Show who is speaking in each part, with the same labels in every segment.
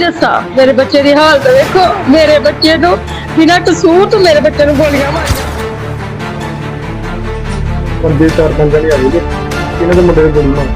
Speaker 1: ਦੱਸਾਂ ਮੇਰੇ ਬੱਚੇ ਦੀ ਹਾਲਤ ਵੇਖੋ। ਮੇਰੇ ਬੱਚੇ ਨੂੰ ਬਿਨਾਂ ਕਸੂਰ ਤੋਂ ਮੇਰੇ ਬੱਚੇ ਨੂੰ ਗੋਲੀਆਂ ਮਾਰੀਆਂ।
Speaker 2: ਬੰਦੇ 4-5 ਜਣੇ ਆਏ ਨੇ, ਇਹਨਾਂ ਦੇ ਮੁੰਡੇ ਨੂੰ ਗੋਲੀ ਮਾਰੀ।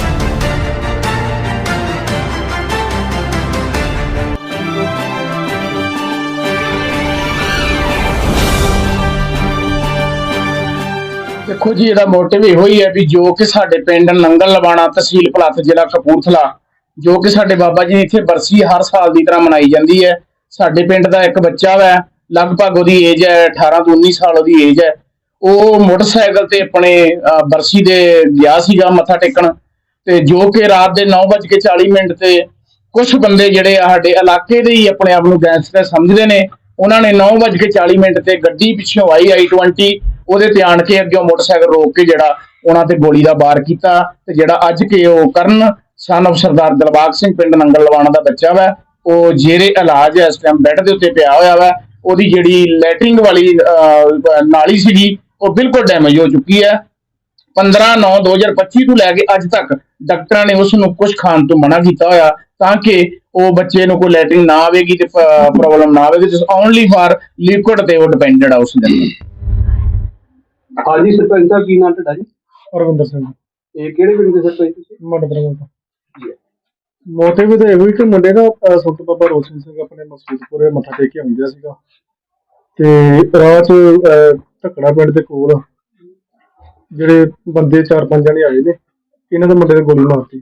Speaker 3: देखो जी, ਇਹਦਾ ਮੋਟਿਵ ਇਹੋ ਹੀ ਹੈ ਵੀ ਜੋ ਕਿ ਸਾਡੇ ਪਿੰਡ ਨੰਗਲ ਲਵਾਣਾ, ਤਹਿਸੀਲ ਭਲੱਥ, ਜ਼ਿਲ੍ਹਾ ਕਪੂਰਥਲਾ, ਜੋ ਕਿ ਸਾਡੇ ਬਾਬਾ ਜੀ ਇੱਥੇ ਬਰਸੀ ਹਰ ਸਾਲ ਦੀ ਤਰ੍ਹਾਂ ਮਨਾਈ ਜਾਂਦੀ ਹੈ। ਸਾਡੇ ਪਿੰਡ ਦਾ ਇੱਕ ਬੱਚਾ ਵਾ, ਲਗਭਗ ਉਹਦੀ ਏਜ ਹੈ 18 ਤੋਂ 19 ਸਾਲ ਉਹਦੀ ਏਜ ਹੈ। ਉਹ ਮੋਟਰਸਾਈਕਲ ਤੇ ਆਪਣੇ ਬਰਸੀ ਦੇ ਗਿਆ ਸੀਗਾ ਮੱਥਾ ਟੇਕਣ, ਤੇ ਜੋ ਕਿ ਰਾਤ ਦੇ 9:40 ਤੇ ਕੁਝ ਬੰਦੇ ਜਿਹੜੇ ਆ ਸਾਡੇ ਇਲਾਕੇ ਦੇ ਹੀ ਆਪਣੇ ਆਪ ਨੂੰ ਗੈਂਗਸਟਰ ਸਮਝਦੇ ਨੇ, ਉਹਨਾਂ ਨੇ 9:40 ਤੇ ਗੱਡੀ ਪਿੱਛੋਂ ਆਈ i20, ਉਹਦੇ ਤੇ ਆਣ ਕੇ ਅੱਗੇ ਮੋਟਰਸਾਈਕਲ ਰੋਕ ਕੇ ਜਿਹੜਾ ਉਹਨਾਂ ਤੇ ਗੋਲੀ ਦਾ ਵਾਰ ਕੀਤਾ। ਤੇ ਜਿਹੜਾ ਅੱਜ ਕੇ ਉਹ ਕਰਨ ਸਨ of ਸਰਦਾਰ ਦਿਲਬਾਗ ਸਿੰਘ ਪਿੰਡ ਨੰਗਲ ਲਵਾਣਾ ਦਾ ਬੱਚਾ ਵਾ, ਉਹ ਜੇਰੇ ਇਲਾਜ ਇਸ ਟਾਈਮ ਬੈੱਡ ਦੇ ਉੱਤੇ ਪਿਆ ਹੋਇਆ ਵਾ। ਉਹਦੀ ਜਿਹੜੀ ਲੈਟਰਿੰਗ ਵਾਲੀ ਨਾਲੀ ਸੀਗੀ ਉਹ ਬਿਲਕੁਲ ਡੈਮੇਜ ਹੋ ਚੁੱਕੀ ਹੈ। 15/9/2025 ਤੋਂ ਲੈ ਕੇ ਅੱਜ ਤੱਕ ਡਾਕਟਰਾਂ ਨੇ ਉਸ ਨੂੰ ਕੁਝ ਖਾਣ ਤੋਂ ਮਨਾ ਕੀਤਾ ਹੋਇਆ ਤਾਂ ਕਿ ਉਹ ਬੱਚੇ ਨੂੰ ਕੋਈ ਲੈਟਰਿੰਗ ਨਾ ਆਵੇਗੀ ਤੇ ਪ੍ਰੋਬਲਮ ਨਾ ਆਵੇਗੀ। ਓਨਲੀ ਫਾਰ ਲਿਕੁਇਡ ਤੇ ਉਹ ਡਿਪੈਂਡਡ ਆ ਉਸ ਦੇ ਅੰਦਰ।
Speaker 4: ਹਾਂਜੀ ਸਰਪੰਚ ਸਾਹਿਬ, ਕੀ ਨਾਮ ਤੁਹਾਡਾ ਜੀ?
Speaker 2: ਹਰਵਿੰਦਰ ਸਿੰਘ।
Speaker 4: ਇਹ ਕਿਹੜੇ ਪਿੰਡ ਦੇ ਸਰਪੰਚ ਤੁਸੀਂ?
Speaker 2: ਮੱਡਬਰਮਾ ਤੋਂ। ਮੋਟਿਵ ਤਾਂ ਇਹੋ ਹੀ ਕਿ ਮੁੰਡੇ ਨਾ ਸੁੱਤ ਬਾਬਾ ਰੋਸ਼ਨ ਸਿੰਘ ਆਪਣੇ ਮਸਜਿਦਪੁਰੇ ਮੱਥਾ ਟੇਕ ਕੇ ਆਉਂਦਾ ਸੀਗਾ, ਤੇ ਰਾਹ 'ਚ ਢੱਕੜਾ ਪਿੰਡ ਦੇ ਕੋਲ ਜਿਹੜੇ ਬੰਦੇ 4-5 ਜਣੇ ਆਏ ਨੇ, ਇਹਨਾਂ ਦੇ ਮੁੰਡੇ ਨੇ ਗੋਲੀ ਮਾਰਤੀ।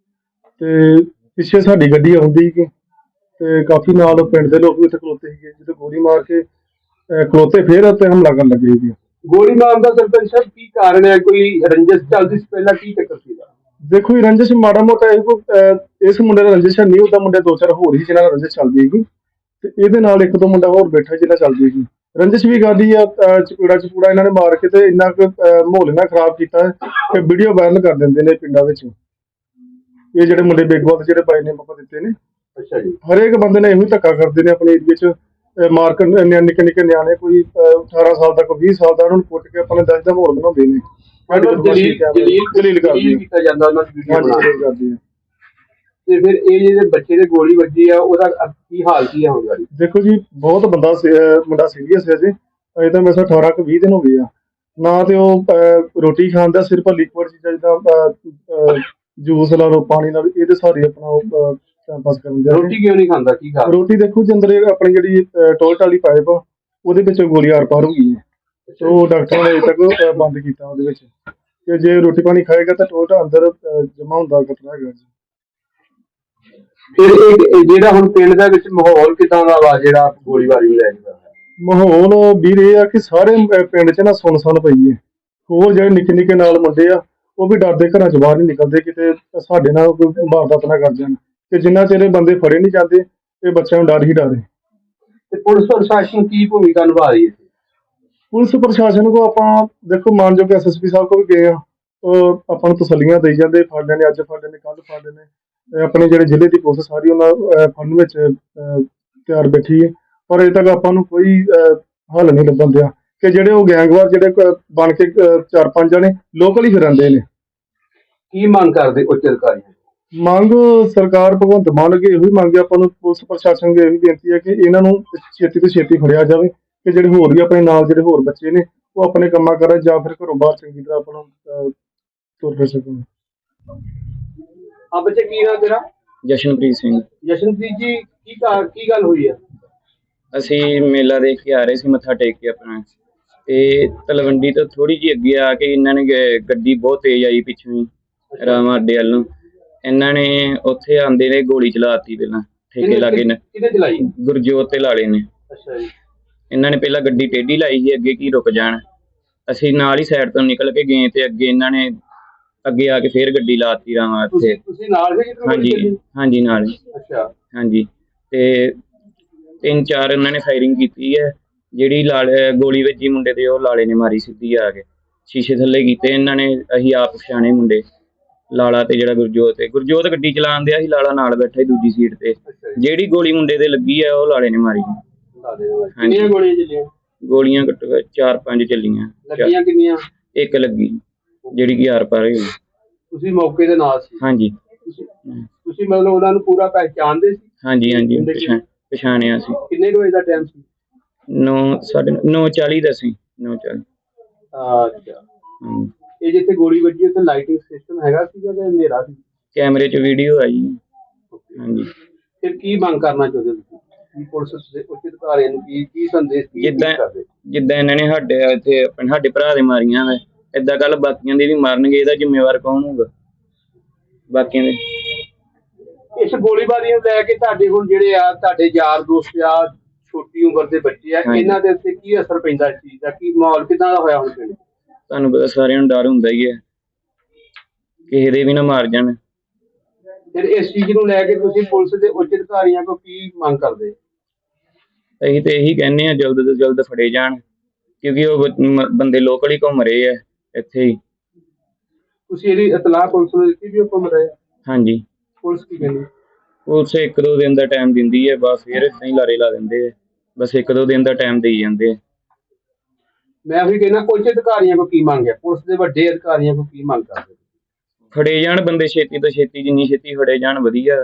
Speaker 2: ਤੇ ਪਿੱਛੇ ਸਾਡੀ ਗੱਡੀ ਆਉਂਦੀ ਸੀ ਤੇ ਕਾਫੀ ਨਾਲ ਪਿੰਡ ਦੇ ਲੋਕ ਵੀ ਉੱਥੇ ਖਲੋਤੇ ਸੀਗੇ। ਜਦੋਂ ਗੋਲੀ ਮਾਰ ਕੇ ਖਲੋਤੇ, ਫੇਰ ਉੱਤੇ ਹਮਲਾ ਕਰਨ ਲੱਗੇ ਸੀਗੇ।
Speaker 4: ਗੋਲੀ ਮਾਰਨ ਦਾ ਸਰਪੰਚ ਸਾਹਿਬ ਕੀ ਕਾਰਨ ਹੈ? ਕੋਈ ਰੰਜਿਸ਼ ਚੱਲਦੀ ਸੀ ਪਹਿਲਾਂ? ਕੀ ਚੱਕਰ ਸੀਗਾ?
Speaker 2: ਦੇਖੋ ਜੀ, ਰੰਜਿਸ਼ ਮਾੜਾ ਮੋਟਾ ਇਸ ਮੁੰਡੇ ਦਾ ਰੰਜਿਸ਼ ਨਹੀਂ, ਉਹਦਾ ਮੁੰਡੇ 2-4 ਹੋਰ ਹੀ ਜਿਹਨਾਂ ਨਾਲ ਰੰਜਿਸ਼ ਚੱਲਦੀ ਹੈਗੀ, ਤੇ ਇਹਦੇ ਨਾਲ 1-2 ਮੁੰਡਾ ਹੋਰ ਬੈਠਾ ਜਿਹਨਾਂ ਚੱਲਦੀ ਹੈਗੀ। ਰੰਜਿਸ਼ ਵੀ ਕਰਦੀ ਆ, ਚਪੂੜਾ ਇਹਨਾਂ ਨੇ ਮਾਰ ਕੇ ਤੇ ਇੰਨਾ ਕੁ ਮਾਹੌਲ ਇਹਨਾਂ ਖਰਾਬ ਕੀਤਾ ਕਿ ਵੀਡੀਓ ਵਾਇਰਲ ਕਰ ਦਿੰਦੇ ਨੇ ਪਿੰਡਾਂ ਵਿੱਚ। ਇਹ ਜਿਹੜੇ ਮੁੰਡੇ ਬੇਗਵਾਲ ਜਿਹੜੇ ਬਾਈ ਨੇ ਪਾਪਾ ਦਿੱਤੇ ਨੇ,
Speaker 4: ਅੱਛਾ ਜੀ,
Speaker 2: ਹਰੇਕ ਬੰਦੇ ਨੇ ਇਹੋ ਹੀ ਧੱਕਾ ਕਰਦੇ ਨੇ ਆਪਣੇ ਏਰੀਏ 'ਚ। ਮਾਰ ਕੇ ਨਿੱਕੇ ਨਿੱਕੇ ਨਿਆਣੇ, ਕੋਈ 18 ਸਾਲ ਦਾ, ਕੋਈ 20 ਸਾਲ ਦਾ, ਉਹਨਾਂ ਨੂੰ ਕੁੱਟ ਕੇ ਆਪਣੇ ਦਹਿਸ਼ਤ ਦਾ ਮਾਹੌਲ ਬਣਾਉਂਦੇ ਨੇ।
Speaker 4: ਜਲੀਲ ਕੀਤਾ ਜਾਂਦਾ ਉਹਨਾਂ ਦੀ ਵੀਡੀਓ ਬਣਾ ਕੇ
Speaker 2: ਕਰਦੀ ਹੈ।
Speaker 4: ਤੇ ਫਿਰ ਇਹ ਜਿਹੜੇ ਬੱਚੇ ਦੇ ਗੋਲੀ ਵੱਜੀ ਆ, ਉਹਦਾ ਕੀ ਹਾਲ ਕੀ ਹੈ ਹੁਣ ਗਾੜੀ?
Speaker 2: ਦੇਖੋ ਜੀ, ਬਹੁਤ ਮੁੰਡਾ ਸੀਰੀਅਸ ਹੈ ਜੀ। ਅਜੇ ਤਾਂ ਮੇਰੇ 18-20 ਦਿਨ ਹੋ ਗਏ ਆ ਨਾ, ਤੇ ਉਹ ਰੋਟੀ ਖਾਂਦਾ, ਸਿਰਫ ਲਿਕੁਇਡ ਚੀਜ਼ਾਂ ਜਿੱਦਾਂ ਜੂਸ ਲਾ ਲਓ, ਪਾਣੀ ਨਾਲ, ਇਹਦੇ ਸਾਰੇ ਆਪਣਾ ਉਹ ਟਾਈਮ ਪਾਸ ਕਰਨ ਦੇ।
Speaker 4: ਰੋਟੀ ਕਿਉਂ ਨਹੀਂ ਖਾਂਦਾ? ਕੀ ਖਾ?
Speaker 2: ਰੋਟੀ ਦੇਖੋ ਜੀ, ਅੰਦਰ ਆਪਣੀ ਜਿਹੜੀ ਟੋਇਲਟ ਵਾਲੀ ਪਾਈਪ ਉਹਦੇ ਵਿੱਚ ਗੋਲੀ ਆਰ ਪਾਰ ਹੋ ਗਈ ਹੈ, ਤੇ ਉਹ ਡਾਕਟਰਾਂ ਨੇ ਅਜੇ ਤੱਕ ਬੰਦ ਕੀਤਾ ਉਹਦੇ ਵਿੱਚ, ਕਿ ਜੇ ਰੋਟੀ ਪਾਣੀ ਖਾਏਗਾ ਤਾਂ ਟੋਇਲਟ ਅੰਦਰ ਜਮਾ ਹੁੰਦਾ ਖਤਰਾ ਹੈਗਾ ਜੀ।
Speaker 4: ਫਿਰ ਇਹ ਜਿਹੜਾ ਹੁਣ ਪਿੰਡ ਦੇ ਵਿੱਚ ਮਾਹੌਲ ਕਿਦਾਂ ਦਾ ਵਾ ਜਿਹੜਾ ਗੋਲੀਬਾਰੀ ਨੂੰ ਲੈ ਕੇ?
Speaker 2: ਮਾਹੌਲ ਵੀਰ ਇਹ ਆ ਕਿ ਸਾਰੇ ਪਿੰਡ 'ਚ ਨਾ ਸੁੰਨ ਪਈ ਹੈ। ਹੋਰ ਜਿਹੜੇ ਨਿੱਕੇ ਨਿੱਕੇ ਨਾਲ ਮੁੰਡੇ ਆ, ਉਹ ਵੀ ਡਰਦੇ ਘਰਾਂ 'ਚ ਬਾਹਰ ਨਹੀਂ ਨਿਕਲਦੇ, ਕਿਤੇ ਸਾਡੇ ਨਾਲ ਕੋਈ ਵਾਰਦਾਤ ਨਾ ਕਰ ਜਾਣ। ਤੇ ਜਿੰਨਾ ਚਿਰ ਬੰਦੇ ਫੜੇ ਨਹੀਂ ਜਾਂਦੇ, ਇਹ ਬੱਚਿਆਂ ਨੂੰ ਡਰ ਹੀ ਡਰ ਹੈ।
Speaker 4: ਤੇ ਪੁਲਿਸ ਪ੍ਰਸ਼ਾਸਨ ਕੀ ਭੂਮਿਕਾ ਨਿਭਾ ਰਹੀ ਹੈ?
Speaker 2: ਪੁਲਿਸ ਪ੍ਰਸ਼ਾਸਨ ਕੋ ਆਪਾਂ ਦੇਖੋ ਮਾਨਯੋਗ SSP ਸਾਹਿਬ ਕੋਲ ਵੀ ਗਏ ਆ, ਉਹ ਆਪਾਂ ਨੂੰ ਤਸੱਲੀਆਂ ਦੇਈ ਜਾਂਦੇ, ਫੜ ਲੈਣੇ, ਅੱਜ ਫੜ ਲੈਣੇ, ਕੱਲ ਫੜ ਲੈਣੇ। ਆਪਣੇ ਜਿਹੜੇ ਜ਼ਿਲ੍ਹੇ ਦੀ ਪੁਲਿਸ ਸਾਰੀ ਉਹਨਾਂ ਫੜਨ ਵਿੱਚ ਤਿਆਰ ਬੈਠੀ ਹੈ, ਪਰ ਅਜੇ ਤੱਕ ਆਪਾਂ ਨੂੰ ਕੋਈ ਹੱਲ ਨਹੀਂ ਲੱਭਣ ਦਿਆ ਕਿ ਜਿਹੜੇ ਉਹ ਗੈਂਗਵਾਰ ਜਿਹੜੇ ਬਣ ਕੇ 4-5 ਜਣੇ ਲੋਕਲ ਹੀ ਫਿਰਦੇ ਨੇ।
Speaker 4: ਕੀ ਮੰਗ ਕਰਦੇ ਉੱਚ ਅਧਿਕਾਰੀ?
Speaker 2: ਮੰਗ ਸਰਕਾਰ ਭਗਵੰਤ ਮਾਨ ਅੱਗੇ ਇਹੋ ਹੀ ਮੰਗ ਹੈ ਆਪਾਂ ਨੂੰ, ਪੁਲਿਸ ਪ੍ਰਸ਼ਾਸਨ ਅੱਗੇ ਇਹੀ ਬੇਨਤੀ ਹੈ ਕਿ ਇਹਨਾਂ ਨੂੰ ਛੇਤੀ ਤੋਂ ਛੇਤੀ ਫੜਿਆ ਜਾਵੇ, ਕਿ ਜਿਹੜੇ ਹੋਰ ਵੀ ਆਪਣੇ ਨਾਲ ਜਿਹੜੇ ਹੋਰ ਬੱਚੇ ਨੇ ਉਹ ਆਪਣੇ ਕੰਮਾਂ ਕਰਨ, ਜਾਂ ਫਿਰ ਘਰੋਂ ਬਾਹਰ ਚੰਗੀ ਤਰ੍ਹਾਂ ਆਪਾਂ ਨੂੰ ਤੁਰ ਫਿਰ ਸਕਣ।
Speaker 4: ਆ ਬੱਚੇ, ਕੀ ਨਾਮ ਤੇਰਾ?
Speaker 5: ਜਸ਼ਨਪ੍ਰੀਤ ਸਿੰਘ।
Speaker 4: ਜਸ਼ਨਪ੍ਰੀਤ ਜੀ, ਕੀ ਗੱਲ ਹੋਈ ਹੈ?
Speaker 5: ਅਸੀਂ ਮੇਲਾ ਦੇਖ ਕੇ ਆ ਰਹੇ ਸੀ, ਮੱਥਾ ਟੇਕ ਕੇ ਆਪਣਾ, ਤੇ ਤਲਵੰਡੀ ਤੋਂ ਥੋੜੀ ਜਿਹੀ ਅੱਗੇ ਆ ਕੇ ਇਹਨਾਂ ਨੇ ਗੱਡੀ ਬਹੁਤ ਤੇਜ਼ ਆਈ ਪਿੱਛੋਂ ਰਾਮਾ ਅੱਡੇ ਵੱਲ ਨੂੰ, ਇਹਨਾਂ ਨੇ ਉੱਥੇ ਆਂਦੇ ਨੇ ਗੋਲੀ ਚਲਾਤੀ। ਪਹਿਲਾਂ ਠੇਕੇ ਲਾਗੇ ਨੇ
Speaker 4: ਚਲਾਈ?
Speaker 5: ਗੁਰਜੋਤ ਤੇ ਲਾਲੇ ਨੇ।
Speaker 4: ਅੱਛਾ ਜੀ।
Speaker 5: ਇਹਨਾਂ ਨੇ ਪਹਿਲਾਂ ਗੱਡੀ ਟੇਢੀ ਲਾਈ ਸੀ ਅੱਗੇ ਕੀ ਰੁਕ ਜਾਣ, ਅਸੀਂ ਨਾਲ ਹੀ ਸਾਈਡ ਤੋਂ ਨਿਕਲ ਕੇ ਗਏ, ਤੇ ਅੱਗੇ ਇਹਨਾਂ ਨੇ ਅੱਗੇ ਆ ਕੇ ਫੇਰ ਗੱਡੀ ਲਾਤੀ ਰਾਮਾ ਉੱਥੇ।
Speaker 4: ਤੁਸੀਂ ਨਾਲ ਸੀ?
Speaker 5: ਹਾਂਜੀ ਨਾਲ ਹੀ।
Speaker 4: ਅੱਛਾ।
Speaker 5: ਹਾਂਜੀ, ਤੇ 3-4 ਇਹਨਾਂ ਨੇ ਫਾਇਰਿੰਗ ਕੀਤੀ ਹੈ। ਜਿਹੜੀ ਗੋਲੀ ਵੱਜੀ ਮੁੰਡੇ ਤੇ, ਉਹ ਲਾਲੇ ਨੇ ਮਾਰੀ ਸਿੱਧੀ ਆ ਕੇ, ਸ਼ੀਸ਼ੇ ਥੱਲੇ ਕੀਤੇ ਇਹਨਾਂ ਨੇ। ਅਸੀਂ ਆਪ ਪਛਾਣੇ ਮੁੰਡੇ, ਲਾਲਾ ਤੇ ਜਿਹੜਾ ਗੁਰਜੋਤ ਗੱਡੀ ਚਲਾਉਣ ਦਿਆ ਸੀ, ਲਾਲਾ ਨਾਲ ਬੈਠਾ ਦੂਜੀ ਸੀਟ ਤੇ। ਜਿਹੜੀ ਗੋਲੀ ਮੁੰਡੇ ਤੇ ਲੱਗੀ ਹੈ ਉਹ ਲਾਲੇ ਨੇ ਮਾਰੀ।
Speaker 4: ਕਿੰਨੀਆਂ ਗੋਲੀਆਂ ਚੱਲੀਆਂ?
Speaker 5: ਗੋਲੀਆਂ ਘੱਟੋ 4-5 ਚੱਲੀਆਂ।
Speaker 4: ਲੱਗੀਆਂ ਕਿੰਨੀਆਂ?
Speaker 5: ਇੱਕ ਲੱਗੀ ਜਿਹੜੀ ਕਿ ਆਰ ਪਾਰ ਹੋਈ।
Speaker 4: ਤੁਸੀਂ ਮੌਕੇ ਦੇ ਨਾਲ ਸੀ?
Speaker 5: ਹਾਂਜੀ।
Speaker 4: ਤੁਸੀਂ ਮਤਲਬ ਉਹਨਾਂ ਨੂੰ ਪੂਰਾ ਪਹਿਚਾਣਦੇ ਸੀ?
Speaker 5: ਹਾਂਜੀ ਹਾਂਜੀ ਪਛਾਣਿਆ ਸੀ।
Speaker 4: ਕਿੰਨੇ ਕੁ ਵਜੇ ਦਾ ਟਾਈਮ ਸੀ?
Speaker 5: 9:40 ਦਾ ਸੀ। 9:40।
Speaker 4: ਅੱਛਾ, ਇਹ ਜਿੱਥੇ ਗੋਲੀ ਵੱਜੀ ਉੱਥੇ ਲਾਈਟਿੰਗ ਸਿਸਟਮ ਹੈਗਾ ਸੀਗਾ ਕਿ ਹਨੇਰਾ ਸੀ?
Speaker 5: ਕੈਮਰੇ 'ਚ ਵੀਡੀਓ ਆਈ। ਹਾਂਜੀ।
Speaker 4: ਫਿਰ ਕੀ ਮੰਗ ਕਰਨਾ ਚਾਹੁੰਦੇ ਤੁਸੀਂ? ਕੀ ਪੁਲਿਸ ਦੇ ਉੱਚ ਅਧਿਕਾਰੀਆਂ ਨੂੰ ਕੀ ਸੰਦੇਸ਼ ਕਰਦੇ?
Speaker 5: ਜਿੱਦਾਂ ਇਹਨਾਂ ਨੇ ਸਾਡੇ ਭਰਾ ਦੇ ਮਾਰੀਆਂ ਵਾ, ਏਦਾਂ ਕੱਲ ਬਾਕੀਆਂ ਦੇ ਵੀ ਮਾਰਨਗੇ। ਇਹਦਾ ਜ਼ਿੰਮੇਵਾਰ ਕੌਣ ਹੋਊਗਾ ਬਾਕੀਆਂ ਦੇ?
Speaker 4: ਇਸ ਗੋਲੀਬਾਰੀ ਨੂੰ ਲੈ ਕੇ ਤੁਹਾਡੇ ਹੁਣ ਜਿਹੜੇ ਆ ਤੁਹਾਡੇ ਯਾਰ ਦੋਸਤ ਆ, ਛੋਟੀ ਉਮਰ ਦੇ ਬੱਚੇ ਆ, ਇਹਨਾਂ ਦੇ ਉੱਤੇ ਕੀ ਅਸਰ ਪੈਂਦਾ ਇਸ ਚੀਜ਼ ਦਾ? ਕੀ ਮਾਹੌਲ ਕਿਦਾਂ ਦਾ ਹੋਇਆ ਹੁਣ ਪਿੰਡ?
Speaker 5: ਤੁਹਾਨੂੰ ਪਤਾ ਸਾਰਿਆਂ ਨੂੰ ਡਰ ਹੁੰਦਾ ਹੀ ਹੈ, ਕਿਸੇ ਦੇ ਵੀ ਨਾ ਮਾਰ ਜਾਣ।
Speaker 4: ਫਿਰ ਇਸ ਚੀਜ਼ ਨੂੰ ਲੈ ਕੇ ਤੁਸੀਂ ਪੁਲਿਸ ਦੇ ਉੱਚ ਅਧਿਕਾਰੀਆਂ ਕੋਲ ਕੀ ਮੰਗ ਕਰਦੇ?
Speaker 5: ਅਸੀਂ ਤੇ ਇਹੀ ਕਹਿੰਦੇ ਆ ਜਲਦ ਤੋਂ ਜਲਦ ਫੜੇ ਜਾਣ, ਕਿਉਂਕਿ ਉਹ ਬੰਦੇ ਲੋਕਲ ਹੀ ਘੁੰਮ ਰਹੇ ਆ ਇੱਥੇ ਹੀ।
Speaker 4: ਤੁਸੀਂ ਇਹਦੀ ਇਤਲਾਹ ਪੁਲਿਸ ਨੂੰ ਦਿੱਤੀ ਵੀ ਉਹ ਘੁੰਮ ਰਹੇ ਆ?
Speaker 5: ਹਾਂਜੀ।
Speaker 4: ਪੁਲਿਸ ਕੀ ਕਹਿੰਦੀ?
Speaker 5: ਪੁਲਿਸ 1-2 ਦਿਨ ਦਾ ਟਾਈਮ ਦਿੰਦੀ ਹੈ, ਬਸ ਫਿਰ ਏਦਾਂ ਹੀ ਲਾਰੇ ਲਾ ਦਿੰਦੇ ਆ। ਬਸ 1-2 ਦਿਨ ਦਾ ਟਾਈਮ ਦੇਈ ਜਾਂਦੇ ਆ।
Speaker 4: ਮੈਂ ਉਹੀ ਕਹਿੰਦਾ ਉੱਚ ਅਧਿਕਾਰੀਆਂ ਕੋਲ ਕੀ ਮੰਗ ਹੈ? ਪੁਲਿਸ ਦੇ ਵੱਡੇ ਅਧਿਕਾਰੀਆਂ ਕੋਲ ਕੀ ਮੰਗ ਕਰਦੇ?
Speaker 5: ਫੜੇ ਜਾਣ ਬੰਦੇ ਛੇਤੀ ਤੋਂ ਛੇਤੀ, ਜਿੰਨੀ ਛੇਤੀ ਫੜੇ ਜਾਣ ਵਧੀਆ।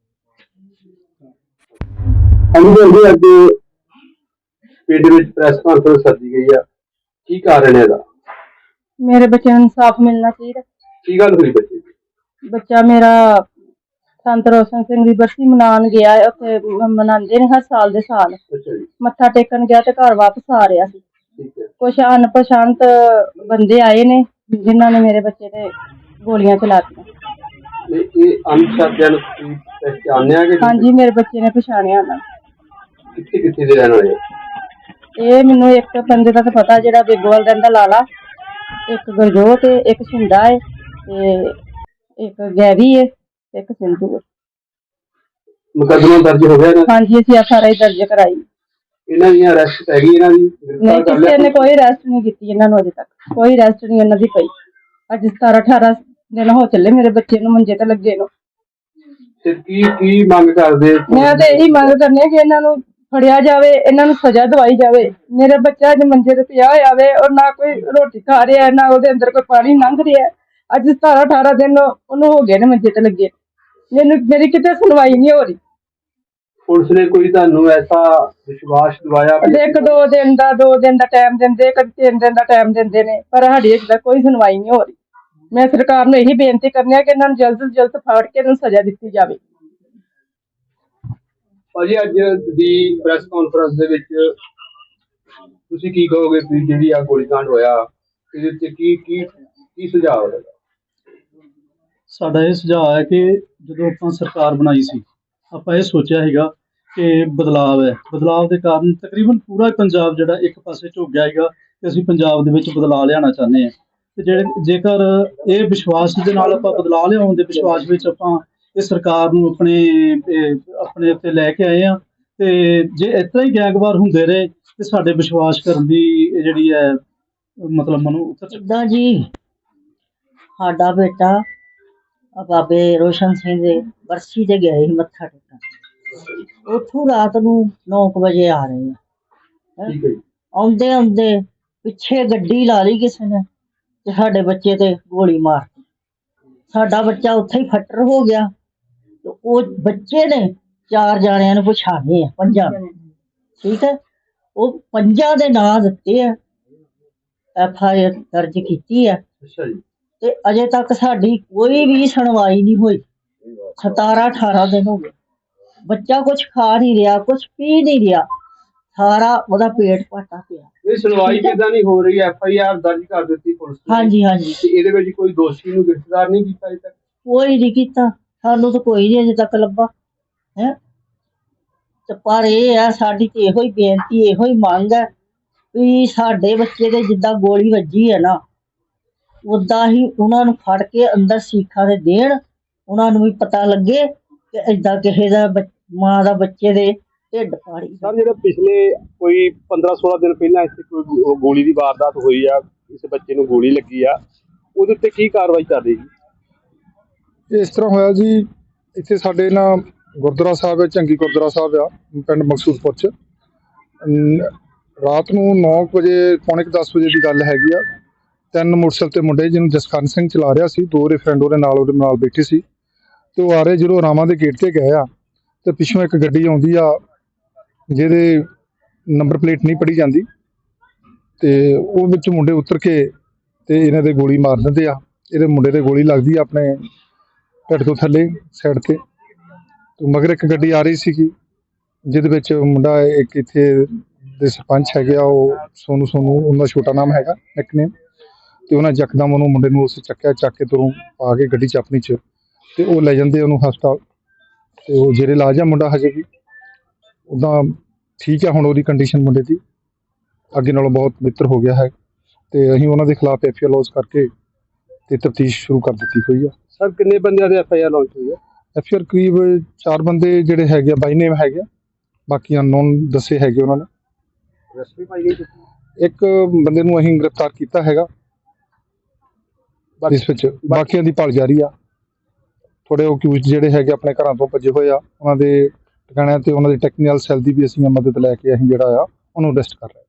Speaker 4: ਹਾਂਜੀ, ਅੱਜ ਪਿੰਡ ਵਿੱਚ ਪ੍ਰੈਸ ਕਾਨਫਰੰਸ ਸੱਦੀ ਗਈ ਆ, ਕੀ ਕਾਰਨ ਹੈ ਇਹਦਾ?
Speaker 1: ਮੇਰੇ ਬੱਚਿਆਂ ਨੂੰ ਇਨਸਾਫ ਮਿਲਣਾ ਚਾਹੀਦਾ।
Speaker 4: ਕੀ ਗੱਲ ਹੋਈ ਬੱਚੇ ਦੀ?
Speaker 1: ਬੱਚਾ ਮੇਰਾ ਸੰਤ ਰੋਸ਼ਨ ਸਿੰਘ ਦੀ ਬਰਸੀ ਮਨਾਉਣ ਗਿਆ, ਉੱਥੇ ਮਨਾਉਂਦੇ ਨੇ ਹਰ ਸਾਲ ਦੇ ਸਾਲ।
Speaker 4: ਅੱਛਾ ਜੀ।
Speaker 1: ਮੱਥਾ ਟੇਕਣ ਗਿਆ ਤੇ ਘਰ ਵਾਪਸ ਆ ਰਿਹਾ ਸੀ।
Speaker 4: ਠੀਕ ਹੈ।
Speaker 1: ਕੁਛ ਅਣਪਛਾਤ ਬੰਦੇ ਆਏ ਨੇ ਜਿਨ੍ਹਾਂ ਨੇ ਮੇਰੇ ਬੱਚੇ ਤੇ ਗੋਲੀਆਂ ਚਲਾਤੀਆਂ।
Speaker 4: ਇਹ ਅਣਪਛਾਤਿਆਂ ਨੂੰ ਤੁਸੀਂ ਪਹਿਚਾਣਿਆ ਕਿ?
Speaker 1: ਹਾਂਜੀ, ਮੇਰੇ ਬੱਚੇ ਨੇ ਪਛਾਣਿਆ ਉਹਨਾਂ ਨੂੰ।
Speaker 4: ਕਿੱਥੇ ਦੇ ਰਹਿਣ ਵਾਲੇ?
Speaker 1: ਇਹ ਮੈਨੂੰ ਇੱਕ ਬੰਦੇ ਦਾ ਤਾਂ ਪਤਾ, ਜਿਹੜਾ ਬੇਗੋਵਾਲ ਰਹਿੰਦਾ, ਲਾਲਾ, ਇੱਕ ਗੁਰਜੋਤ, ਇੱਕ ਸ਼ਿੰਦਾ ਹੈ ਤੇ ਇੱਕ ਗੈਵੀ ਹੈ ਤੇ ਇੱਕ ਸਿੰਧੂ ਹੈ।
Speaker 4: ਮੁਕੱਦਮਾ ਦਰਜ ਹੋ ਗਿਆ?
Speaker 1: ਹਾਂਜੀ, ਅਸੀਂ FRI ਦਰਜ ਕਰਾਈ।
Speaker 4: ਇਹਨਾਂ ਦੀ ਅਰੈਸਟ ਹੈਗੀ? ਇਹਨਾਂ ਦੀ
Speaker 1: ਨਹੀਂ, ਕਿਸੇ ਨੇ ਕੋਈ ਅਰੈਸਟ ਨਹੀਂ ਕੀਤੀ ਇਹਨਾਂ ਨੂੰ, ਅਜੇ ਤੱਕ ਕੋਈ ਅਰੈਸਟ ਨਹੀਂ ਇਹਨਾਂ ਦੀ ਪਈ। ਅੱਜ 17-18 ਦਿਨ ਹੋ ਚੱਲੇ ਮੇਰੇ ਬੱਚੇ ਨੂੰ ਮੰਜੇ ਤੇ ਲੱਗੇ ਨੂੰ।
Speaker 4: ਤੇ ਕੀ ਮੰਗ ਕਰਦੇ?
Speaker 1: ਮੈਂ ਤਾਂ ਇਹੀ ਮੰਗ ਕਰਨੀ ਹੈ ਕਿ ਇਹਨਾਂ ਨੂੰ ਫੜਿਆ ਜਾਵੇ, ਇਹਨਾਂ ਨੂੰ ਸਜ਼ਾ ਦਵਾਈ ਜਾਵੇ। ਮੇਰਾ ਬੱਚਾ ਅੱਜ ਮੰਜੇ ਤੇ ਪਿਆ ਹੋਇਆ ਵੇ, ਔਰ ਨਾ ਕੋਈ ਰੋਟੀ ਖਾ ਰਿਹਾ, ਨਾ ਉਹਦੇ ਅੰਦਰ ਕੋਈ ਪਾਣੀ ਲੰਘ ਰਿਹਾ। ਅੱਜ 17-18 ਦਿਨ ਉਹਨੂੰ ਹੋ ਗਏ ਨੇ ਮੰਜੇ ਤੇ ਲੱਗੇ। ਮੇਰੀ ਕਿਤੇ ਸੁਣਵਾਈ ਨਹੀਂ ਹੋ ਰਹੀ।
Speaker 4: ਪੁਲਿਸ ਨੇ ਕੋਈ ਤੁਹਾਨੂੰ ਐਸਾ ਵਿਸ਼ਵਾਸ ਦਿਵਾਇਆ?
Speaker 1: 1-2 ਦਿਨ ਦਾ 2 ਦਿਨ ਦਾ ਟਾਈਮ ਦਿੰਦੇ, ਕਦੇ 3 ਦਿਨ ਦਾ ਟਾਈਮ ਦਿੰਦੇ ਨੇ, ਪਰ ਸਾਡੀ ਅਜੇ ਤੱਕ ਕੋਈ ਸੁਣਵਾਈ ਨਹੀਂ ਹੋ ਰਹੀ। ਮੈਂ ਸਰਕਾਰ ਨੂੰ ਇਹੀ ਬੇਨਤੀ ਕਰਨੀ ਹੈ ਕਿ ਇਹਨਾਂ ਨੂੰ ਜਲਦ ਤੋਂ ਜਲਦ ਫੜ ਕੇ ਇਹਨਾਂ ਨੂੰ ਸਜ਼ਾ ਦਿੱਤੀ ਜਾਵੇ।
Speaker 4: ਭਾਜੀ, ਅੱਜ ਦੀ ਪ੍ਰੈਸ ਕਾਨਫਰੰਸ ਦੇ ਵਿੱਚ ਤੁਸੀਂ ਕੀ ਕਹੋਗੇ ਵੀ ਜਿਹੜੀ ਆ ਗੋਲੀकांड ਹੋਇਆ, ਇਹਦੇ ਉੱਤੇ ਕੀ ਸੁਝਾਅ ਹੈ?
Speaker 2: ਸਾਡਾ ਇਹ ਸੁਝਾਅ ਹੈ ਕਿ ਜਦੋਂ ਆਪਾਂ ਸਰਕਾਰ ਬਣਾਈ ਸੀ, ਆਪਾਂ ਇਹ ਸੋਚਿਆ ਸੀਗਾ ਕਿ ਬਦਲਾਵ ਹੈ। ਬਦਲਾਵ ਦੇ ਕਾਰਨ ਤਕਰੀਬਨ ਪੂਰਾ ਪੰਜਾਬ ਜਿਹੜਾ ਇੱਕ ਪਾਸੇ ਝੁਕ ਗਿਆ ਹੈਗਾ ਕਿ ਅਸੀਂ ਪੰਜਾਬ ਦੇ ਵਿੱਚ ਬਦਲਾਅ ਲਿਆਉਣਾ ਚਾਹੁੰਦੇ ਹਾਂ। ਤੇ ਜੇਕਰ ਇਹ ਵਿਸ਼ਵਾਸ ਦੇ ਨਾਲ ਆਪਾਂ ਬਦਲਾਅ ਲਿਆਉਣ ਦੇ ਵਿਸ਼ਵਾਸ ਵਿੱਚ ਆਪਾਂ ਇਹ ਸਰਕਾਰ ਨੂੰ ਆਪਣੇ ਉੱਤੇ ਲੈ ਕੇ ਆਏ ਹਾਂ, ਤੇ ਜੇ ਇਸ ਤਰ੍ਹਾਂ ਹੀ ਗੈਂਗਵਾਰ ਹੁੰਦੇ ਰਹੇ ਤੇ ਸਾਡੇ ਵਿਸ਼ਵਾਸ ਕਰਨ ਦੀ ਜਿਹੜੀ ਹੈ ਮਤਲਬ ਮਨੋਂ
Speaker 6: ਇੱਦਾਂ ਜੀ, ਸਾਡਾ ਬੇਟਾ ਬਾਬੇ ਰੋਸ਼ਨ ਸਿੰਘ ਦੇ ਬਰਸੀ ਤੇ ਗਏ ਸੀ ਮੱਥਾ ਟੇਕਣ। ਉੱਥੋਂ ਰਾਤ ਨੂੰ 9 ਵਜੇ ਆ ਰਹੇ ਆ। ਆਉਂਦੇ ਆਉਂਦੇ ਪਿੱਛੇ ਗੱਡੀ ਲਾ ਲਈ ਕਿਸੇ ਨੇ ਤੇ ਸਾਡੇ ਬੱਚੇ ਤੇ ਗੋਲੀ ਮਾਰਤੀ। ਸਾਡਾ ਬੱਚਾ ਉੱਥੇ ਹੀ ਫੱਟਰ ਹੋ ਗਿਆ। ਤੇ ਉਹ ਬੱਚੇ ਨੇ 4 ਜਾਣਿਆਂ ਨੂੰ ਪਛਾਣੇ ਆ, 5 ਨੂੰ। ਠੀਕ ਹੈ, ਉਹ 5 ਦੇ ਨਾਂ ਦਿੱਤੇ ਆ, FIR ਦਰਜ ਕੀਤੀ ਆ।
Speaker 4: ਅੱਛਾ ਜੀ।
Speaker 6: ਤੇ ਅਜੇ ਤੱਕ ਸਾਡੀ ਕੋਈ ਵੀ ਸੁਣਵਾਈ ਨਹੀਂ ਹੋਈ। 17-18 ਦਿਨ ਹੋ ਗਏ। ਬੱਚਾ ਕੁਝ ਖਾ ਨਹੀਂ ਰਿਹਾ, ਕੁਝ ਪੀ ਨਹੀਂ ਰਿਹਾ, ਸਾਰਾ ਉਹਦਾ ਪੇਟ ਪਾਟਾ ਪਿਆ।
Speaker 4: ਇਹ ਸੁਣਵਾਈ ਕਿੱਦਾਂ ਨਹੀਂ ਹੋ ਰਹੀ? FIR ਦਰਜ ਕਰ ਦਿੱਤੀ ਪੁਲਿਸ ਨੇ।
Speaker 6: ਹਾਂਜੀ ਹਾਂਜੀ।
Speaker 4: ਤੇ ਇਹਦੇ ਵਿੱਚ ਕੋਈ ਦੋਸ਼ੀ ਨੂੰ ਗ੍ਰਿਫਤਾਰ ਨਹੀਂ ਕੀਤਾ ਅਜੇ ਤੱਕ?
Speaker 6: ਕੋਈ ਨਹੀਂ ਕੀਤਾ, ਸਾਨੂੰ ਤਾਂ ਕੋਈ ਨਹੀਂ ਅਜੇ ਤੱਕ ਲੱਭਾ ਹੈ। ਤੇ ਪਰ ਇਹ ਆ, ਸਾਡੀ ਤੇ ਇਹੋ ਹੀ ਬੇਨਤੀ, ਇਹੋ ਹੀ ਮੰਗ ਹੈ ਵੀ ਸਾਡੇ ਬੱਚੇ ਦੇ ਜਿੱਦਾਂ ਗੋਲੀ ਵੱਜੀ ਹੈ ਨਾ, ਉੱਦਾਂ ਹੀ ਉਹਨਾਂ ਨੂੰ ਫੜ ਕੇ ਅੰਦਰ ਸੀਖਾਂ ਦੇ ਦੇਣ। ਉਹਨਾਂ ਨੂੰ ਵੀ ਪਤਾ ਲੱਗੇ ਕਿ ਏਦਾਂ ਕਿਸੇ ਦਾ ਮਾਂ ਦਾ ਬੱਚੇ ਦੇ ਢਿੱਡ ਪਾੜੀ।
Speaker 4: ਸਰ, ਜਿਹੜਾ ਪਿਛਲੇ ਕੋਈ 15-16 ਦਿਨ ਪਹਿਲਾਂ ਇੱਥੇ ਕੋਈ ਗੋਲੀ ਦੀ ਵਾਰਦਾਤ ਹੋਈ ਆ, ਕਿਸੇ ਬੱਚੇ ਨੂੰ ਗੋਲੀ ਲੱਗੀ ਆ, ਉਹਦੇ ਉੱਤੇ ਕੀ ਕਾਰਵਾਈ ਕਰ ਰਹੀ ਜੀ?
Speaker 2: ਇਸ ਤਰ੍ਹਾਂ ਹੋਇਆ ਜੀ, ਇੱਥੇ ਸਾਡੇ ਨਾ ਗੁਰਦੁਆਰਾ ਸਾਹਿਬ ਹੈ, ਝੰਗੀ ਗੁਰਦੁਆਰਾ ਸਾਹਿਬ ਆ ਪਿੰਡ ਮਕਸੂਦਪੁਰ 'ਚ। ਰਾਤ ਨੂੰ 9 ਵਜੇ, ਪੌਣੇ 10 ਵਜੇ ਦੀ ਗੱਲ ਹੈਗੀ ਆ। 3 ਮੋਟਰਸਾਈਕਲ ਤੇ ਮੁੰਡੇ, ਜਿਹਨੂੰ ਜਸਕਰਨ ਸਿੰਘ ਚਲਾ ਰਿਹਾ ਸੀ, 2 ਫਰੈਂਡ ਉਹਦੇ ਨਾਲ ਬੈਠੇ ਸੀ। ਤੇ ਉਹ ਆ ਰਹੇ ਜਦੋਂ ਰਾਮਾਂ ਦੇ ਗੇਟ ਤੇ ਗਏ ਆ ਤੇ ਪਿੱਛੋਂ ਇੱਕ ਗੱਡੀ ਆਉਂਦੀ ਆ ਜਿਹਦੇ ਨੰਬਰ ਪਲੇਟ ਨਹੀਂ ਪੜ੍ਹੀ ਜਾਂਦੀ ਤੇ ਉਹ ਵਿੱਚ ਮੁੰਡੇ ਉਤਰ ਕੇ ਤੇ ਇਹਨਾਂ ਦੇ ਗੋਲੀ ਮਾਰ ਦਿੰਦੇ ਆ। ਇਹਦੇ ਮੁੰਡੇ ਦੇ ਗੋਲੀ ਲੱਗਦੀ ਆ ਆਪਣੇ ਢਿੱਡ ਤੋਂ ਥੱਲੇ ਸਾਈਡ ਤੇ ਮਗਰ ਇੱਕ ਗੱਡੀ ਆ ਰਹੀ ਸੀਗੀ ਜਿਹਦੇ ਵਿੱਚ ਮੁੰਡਾ ਇੱਕ ਇੱਥੇ ਦੇ ਸਰਪੰਚ ਹੈਗੇ ਆ, ਉਹ ਸੋਨੂ ਉਹਨਾਂ ਦਾ ਛੋਟਾ ਨਾਮ ਹੈਗਾ ਨਿਕਨੇਮ, ਤੇ ਉਹਨਾਂ ਯਕਦਮ ਉਹਨੂੰ ਮੁੰਡੇ ਨੂੰ ਉਸ ਚੱਕਿਆ, ਚੱਕ ਕੇ ਤੁਰੋਂ ਪਾ ਕੇ ਗੱਡੀ 'ਚ ਆਪਣੀ 'ਚ ਤੇ ਉਹ ਲੈ ਜਾਂਦੇ ਉਹਨੂੰ ਹਸਪਤਾਲ ਤੇ ਉਹ ਜਿਹੜੇ ਇਲਾਜ ਆ ਮੁੰਡਾ ਹਜੇ ਵੀ ਉੱਦਾਂ ਠੀਕ ਆ। ਹੁਣ ਉਹਦੀ ਕੰਡੀਸ਼ਨ ਮੁੰਡੇ ਦੀ ਅੱਗੇ ਨਾਲੋਂ ਬਹੁਤ ਬਿਹਤਰ ਹੋ ਗਿਆ ਹੈ ਤੇ ਅਸੀਂ ਉਹਨਾਂ ਦੇ ਖਿਲਾਫ ਐਫਆਈਆਰ ਲੌਂਚ ਕਰਕੇ ਤੇ ਤਫਤੀਸ਼ ਸ਼ੁਰੂ ਕਰ ਦਿੱਤੀ ਹੋਈ ਆ।
Speaker 4: ਸਰ ਕਿੰਨੇ ਬੰਦਿਆਂ ਦੇ ਐਫਆਈਆਰ ਲਾਂਚ ਹੋਈ ਹੈ?
Speaker 2: ਐਫਆਈਆਰ ਕਰੀਬ 4 ਬੰਦੇ ਜਿਹੜੇ ਹੈਗੇ ਆ ਬਾਈ ਨੇਮ ਹੈਗੇ ਆ, ਬਾਕੀ ਅਨਨੋਨ ਦੱਸੇ ਹੈਗੇ ਉਹਨਾਂ ਨੇ।
Speaker 4: ਅਰੈਸਟ ਵੀ ਪਾਈ ਗਈ?
Speaker 2: ਇੱਕ ਬੰਦੇ ਨੂੰ ਅਸੀਂ ਗ੍ਰਿਫਤਾਰ ਕੀਤਾ ਹੈਗਾ, ਇਸ ਵਿੱਚ ਬਾਕੀਆਂ ਦੀ ਭਾਲ ਜਾਰੀ ਆ। ਥੋੜੇ ਅਕਿਊਜ਼ਡ ਜਿਹੜੇ ਹੈਗੇ ਆਪਣੇ ਘਰਾਂ ਤੋਂ ਭੱਜੇ ਹੋਏ ਆ, ਉਹਨਾਂ ਦੇ ਟਿਕਾਣਿਆਂ ਤੇ ਉਹਨਾਂ ਦੇ ਟੈਕਨੀਕਲ ਸੈੱਲ ਦੀ ਵੀ ਅਸੀਂ ਮਦਦ ਲੈ ਕੇ ਅਸੀਂ ਜਿਹੜਾ ਆ ਉਹਨੂੰ ਅਰੈਸਟ ਕਰ ਰਹੇ ਹਾਂ।